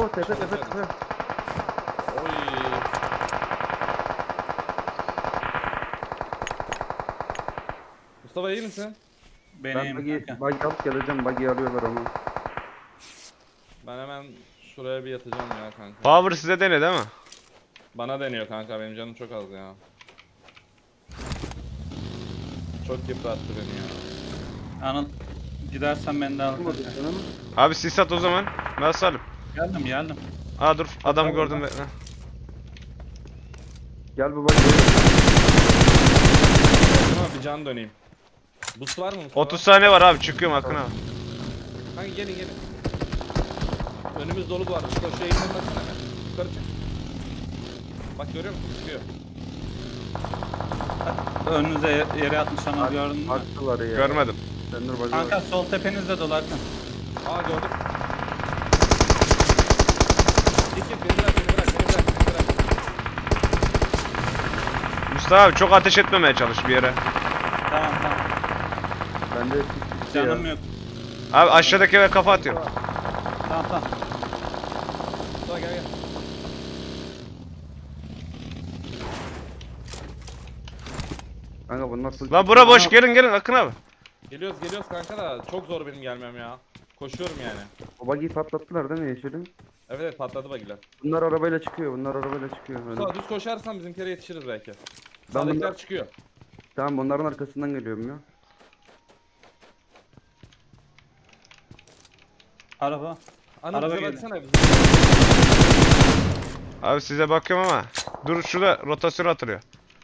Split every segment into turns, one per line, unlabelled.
tepe tepe tepe.
Oy. Mustafa iyi misin?
Ben
Benim
buggy
kanka.
alıp geleceğim. Buggy alıyorlar ama.
Ben hemen şuraya bir yatacağım ya kanka.
Power size dene değil mi?
Bana deniyor kanka, benim canım çok az ya. Çok yıprattı beni ya.
Anıl gidersen beni de al.
Olmadı
kanka.
canım.
Abi sis at o zaman. Ben salim.
Geldim.
Aa dur adam gördüm bekle.
Gel bu buggy.
Ama bir can döneyim. Boost var mı Mustafa?
30 saniye var abi çıkıyorum Akın abi.
Kanka gelin. Önümüz dolu bu arada. Mustafa şu eğimden baksana hemen. Yukarı çık. Bak görüyor musun? Çıkıyor.
Önünüze yere atmış Anıl gördün mü?
Attılar ya.
Görmedim.
Sen dur buggy.
Kanka sol tepenizde dolu Akın.
Aa gördüm. Git beni bırak.
Mustafa abi çok ateş etmemeye çalış bir yere.
Tamam.
Bende sis bitti ya.
Canım yok.
Abi aşağıdaki eve kafa atıyorum.
Tamam.
Mustafa gel.
Kanka bunlar full.
Lan bura boş gelin Akın abi.
Geliyoruz kanka da çok zor benim gelmem ya. Koşuyorum yani.
O buggy'yi patlattılar değil mi Yeşil'im?
Evet patladı bagiler.
Bunlar arabayla çıkıyor. Öyle.
Mustafa düz koşarsan bizimkilere yetişiriz belki.
Ben
Sağdakiler
bunlar...
çıkıyor.
Tamam bunların arkasından geliyorum ya.
Araba.
Anıl
Araba
bize
geldi.
baksana bize.
Abi size bakıyorum ama. Dur şurada rotasyon atılıyor.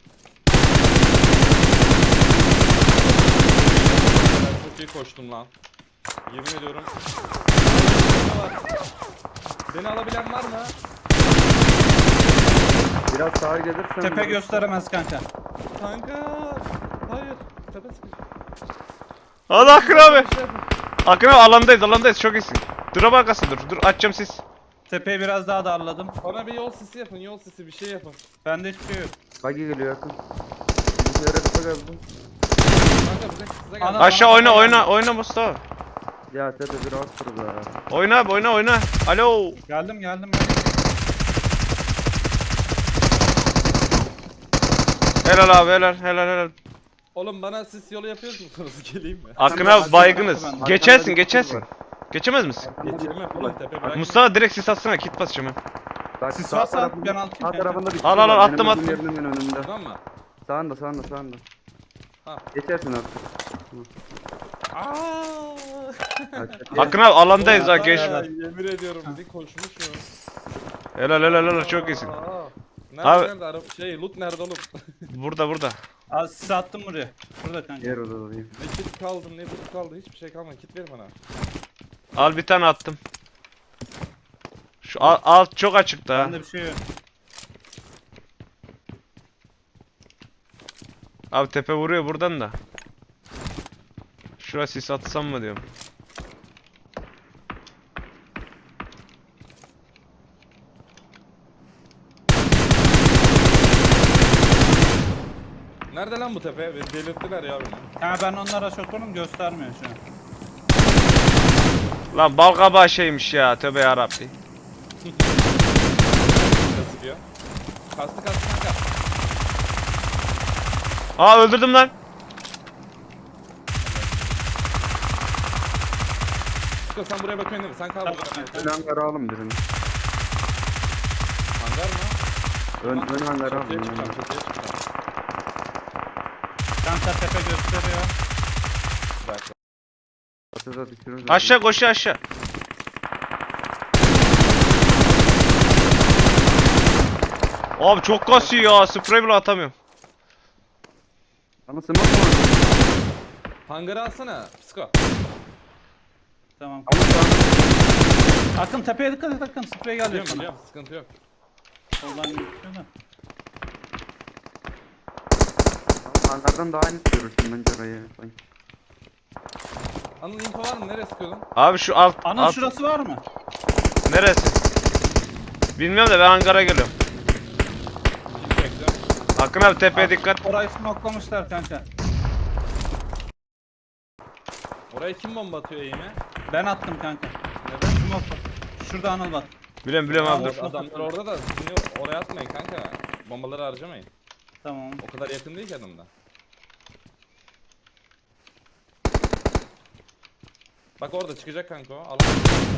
Ben çok iyi koştum lan. Yemin ediyorum. Beni alabilen var mı?
Biraz sağa gelirsen...
Tepe gösteremez kanka.
Kanka. Hayır. Tepe sıkıştı.
Hadi Akın abi.
Bir şey yapın.
Akın abi alandayız çok iyisin. Drop arkası dur açacağım sis.
Tepeyi biraz daha darladım.
Bana bir yol sisi yapın, bir şey yapın.
Bende hiçbir şey yok.
Buggy geliyor yakın. Bizimkilere kafa geldi.
Kanka bize gel.
Ana-
Aşağı oyna Mustafa.
Ya tepe bir rahatsız ya.
Oyna abi oyna. Alo.
Geldim.
Helal abi helal.
Oğlum bana sis yolu yapıyor musunuz? Geleyim mi?
Akın
ben-
abi baygınız.
ben-
Geçersin.
Arkamda
Geçemez misin?
Geçirmem oğlum tepe bırak.
Mustafa direkt sis atsana kit basacağım ben.
Bak,
Sis
sağ
varsa
tarafında-
ben atayım
Sağ
kanka.
tarafında bir
Al,
var. Benim
attım.
olduğum yerinin hemen önünde.
Tamam mı?
Sağında.
Ha.
Geçersin artık.
Aaa.
Akın abi alandayız ha geç.
Yemin ediyorum bir koşmuşum.
Helal çok iyisin.
Nerede
Abi-
nerede araba loot nerede oğlum?
Burada.
Az sis attım buraya. Burada kanka.
Yer odadayım.
Ne kit kaldı ne loot kaldı hiçbir şey kalmadı. Kit verin bana.
Al bir tane attım. Şu alt çok açıkta ha.
Bende bir şey yok.
Abi tepe vuruyor buradan da. Şuraya sis atsam mı diyorum.
Nerede lan bu tepe? Beni delirttiler ya beni.
Ha ben onlara şokunum göstermiyor şu an.
Lan bal kabağı şeymiş ya tövbe yarabbi.
Nasıl diyor? Kastı kanka.
Aa öldürdüm lan.
Çıkın sen buraya bakıyorsun değil mi? Sen kal burada.
Tamam.
Ön hangarı alın birini.
Hangar mı?
Ön hangarı
Çatıya
alın.
çıkacağım, çatıya çıkacağım.
Kanka tepe gösteriyor.
Bir dakika.
Çatıda düşürürüz.
Aşağı koşu aşağı. Abi çok kasıyor ya sprey bile atamıyorum.
Ama smoke mu?
Hangarı alsana. Psiko.
Tamam.
Ama şu an
Akın tepeye dikkat et Akın. Sprey geliyor
Biliyorum
sana.
biliyorum sıkıntı yok.
Soldan gözüküyor da.
hangardan daha net görürsün bence orayı. Sanki.
Anıl info var mı? Nereye sıkıyordun?
Abi şu alt,
Anıl şurası var mı?
neresi? Bilmiyorum da ben hangara geliyorum.
Hiç bekliyorum.
Akın abi tepeye dikkat.
Orayı smoklamışlar kanka.
Oraya kim bomba atıyor eğime?
Ben attım kanka.
Neden?
Smoke. Şurada Anıl bak.
Biliyorum abi
Ya,
dur.
adamlar orada da sizin oraya atmayın kanka. Bombaları harcamayın.
Tamam.
O kadar yakın değil ki adamda. Bak orada çıkacak kanka o. Alan.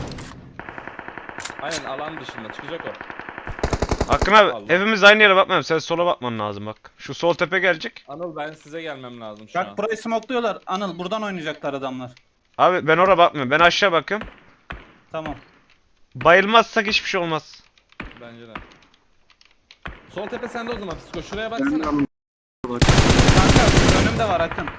Aynen alan dışında çıkacak o.
Akın abi
Allah.
hepimiz aynı yere bakmayalım. Sen sola bakman lazım bak. Şu sol tepe gelecek.
Anıl ben size gelmem lazım şu an.
Bak burayı smokluyorlar. Anıl buradan oynayacaklar adamlar.
Abi ben oraya bakmıyorum. Ben aşağı bakıyorum.
Tamam.
Bayılmazsak hiçbir şey olmaz.
Bence de. Sol tepe sende o zaman Psiko. Şuraya
Ben
baksana.
alın.
Kanka önümde var Akın.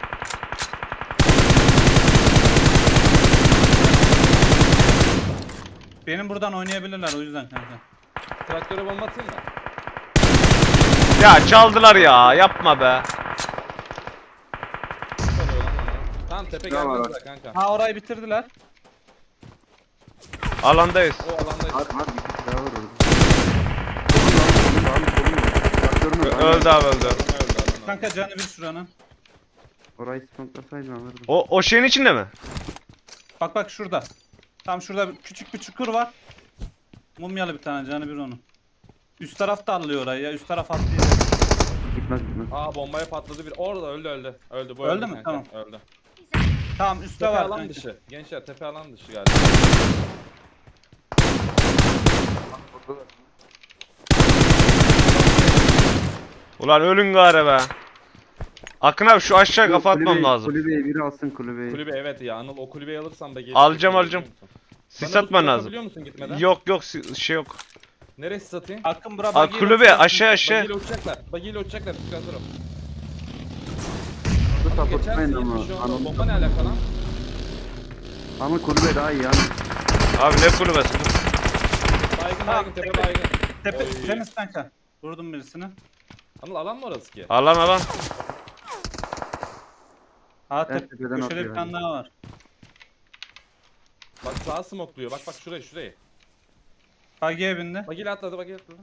Benim buradan oynayabilirler o yüzden kanka.
Traktöre bomba atayım mı?
Ya çaldılar ya. Yapma be.
Çalıyor lan onu. Tamam tepe
Ya var.
gelmezler kanka.
Ha orayı bitirdiler.
Alandayız.
O alandayız.
Var var bir kişi daha var orada. Traktörün orada.
Öldü abi öldü.
Adam öldü adam.
Kanka canı bir şuranın.
Orayı smoklasaydın alırdım.
O şeyin içinde mi?
Bak şurada. Tam şurada küçük bir çukur var. Mumyalı bir tane canı bir onun. Üst taraf da alıyor orayı ya. Üst taraf atlıyor.
Gitmez gitmez.
Aa bombaya patladı bir. Orada öldü. Öldü bu
Öldü mü?
kanka.
Tamam.
Öldü.
Tamam üstte
Tepe
var
alan
kanka.
dışı. Gençler tepe alan dışı galiba.
Ulan ölün gari be. Akın abi şu aşağı kafa atmam
Kulübeyi-
lazım.
Kulübeyi biri alsın kulübeyi.
Kulübe evet ya Anıl o kulübeyi alırsam da geç.
Alacağım. Sis atman lazım.
Biliyor musun gitmeden?
Yok şey yok.
Nereye sis atayım?
Akın bura
Al
bagiyle
kulübe
uçuyor.
aşağı.
Bagiyle uçacaklar. Bagiyle uçacaklar. Psikatörüm.
Bu supportlayın
Geçersin
ama.
70 şu anda.
Anıl.
Bomba ne alaka lan?
Ama kulübe daha iyi yani.
Abi ne kulübesi?
Baygın tepe baygın.
Tepe
Oy.
temiz kanka. Vurdum birisini.
Anıl alan mı orası ki?
Alan.
Ha
Evet, tepeden
köşede
atıyor
bir tane
yani.
daha var.
Bak sağa smokluyor. Bak şurayı.
Bagiye bindi.
Bagiyle atladı bagiyle atladı.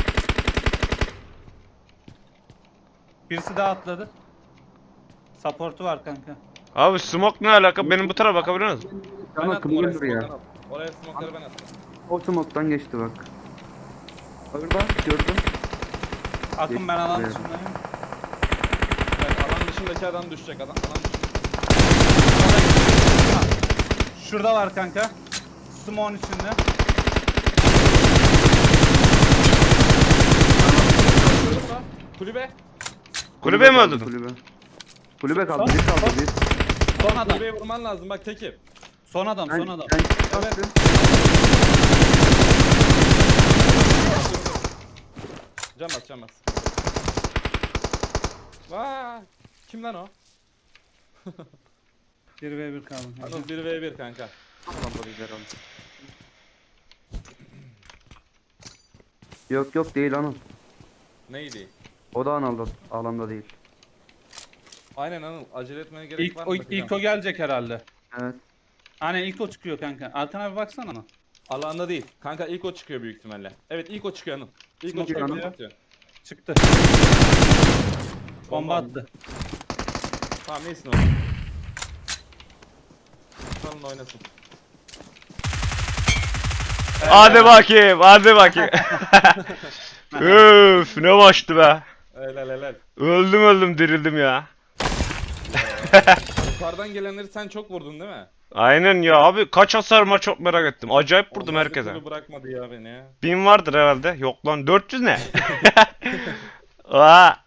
Birisi daha atladı. Support'u var kanka.
Abi smoke ne alaka? Benim bu tarafa bakabiliyor musun?
Ben
Ama
attım oraya
kulübe duruyor.
smoke'ları. Oraya smoke'ları ben attım.
O smoke'tan geçti bak. Orada gördüm.
Akın ben alan
Geçti.
dışındayım.
Evet alan dışındaki adam düşecek adam. Alan dışında.
Şurada var kanka. Smoke'un içinde.
Kulübe.
Kulübe mi
kaldı,
öldürdün?
Kulübe. Kulübe kaldı. Bir kaldı bir.
Son adam.
Kulübeye vurman lazım bak teki.
Son adam.
Ben,
Son adam.
ben
Evet. Can bas. Vaa! Kim lan o?
1v1 kaldı. kanka.
Anıl 1v1 kanka.
Alanda lider aldı. Yok değil Anıl.
Neydi?
O da alanda değil.
Aynen Anıl acele etmene gerek
İlk
var
o,
mı? Bakacağım.
ilk o gelecek herhalde.
Evet.
Hani ilk o çıkıyor kanka. Arkana bir baksana ama.
Alanda değil. Kanka ilk o çıkıyor büyük ihtimalle. Evet ilk o çıkıyor Anıl. İlk o
Smoke
çıkıyor.
Anıl.
Atıyor.
Çıktı. Bomba attı.
Tamam neysin oğlum. Salın oynasın.
Hadi bakayım. Üf ne maçtı be.
Helal.
Öldüm dirildim ya.
Yukarıdan gelenleri sen çok vurdun değil mi?
Aynen ya abi kaç hasar var çok merak ettim. Acayip vurdum
Onlar bir
herkese.
türlü bırakmadı ya beni.
1000 vardır herhalde. Yok lan 400 ne? Aa.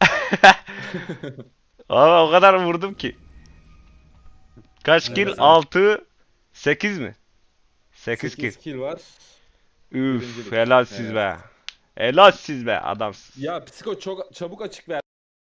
Abi o kadar vurdum ki. Kaç kill?
Evet.
6 8 mi? 8 kill.
8 kill var.
Üf
Birincilik.
helal siz
Evet.
be. Helal siz be adamsın.
Ya psiko çok çabuk açık ver.